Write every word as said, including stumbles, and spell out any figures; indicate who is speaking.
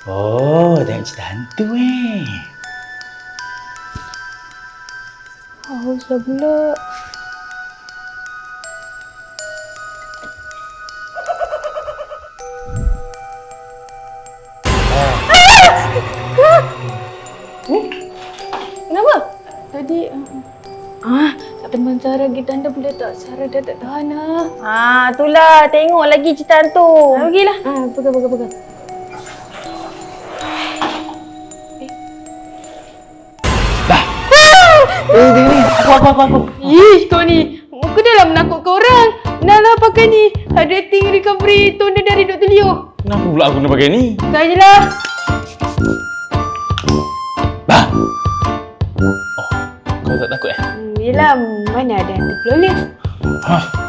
Speaker 1: Oh, tengok cerita hantu eh.
Speaker 2: Haus dah pula. Kenapa? Tadi ah, tak teman Sarah kita anda boleh tak? Sarah dah tak tahan lah.
Speaker 3: Ah, itulah. Tengok lagi cerita tu.
Speaker 2: Ah, pergilah. Ah, pegang, pegang, pegang.
Speaker 1: Eh, ni, ni. Aku, aku, aku, aku.
Speaker 2: Ih, kau ni. Muka dah lah menakutkan orang. Dah lah pakai ni. Hydrating recovery toner dari Doktor Leo.
Speaker 1: Kenapa pula aku kena pakai ni?
Speaker 2: Pakai je lah.
Speaker 1: Bah! Oh, kau tak takut eh?
Speaker 2: Hmm, yelah, mana ada hantu peloleh.
Speaker 1: Hah?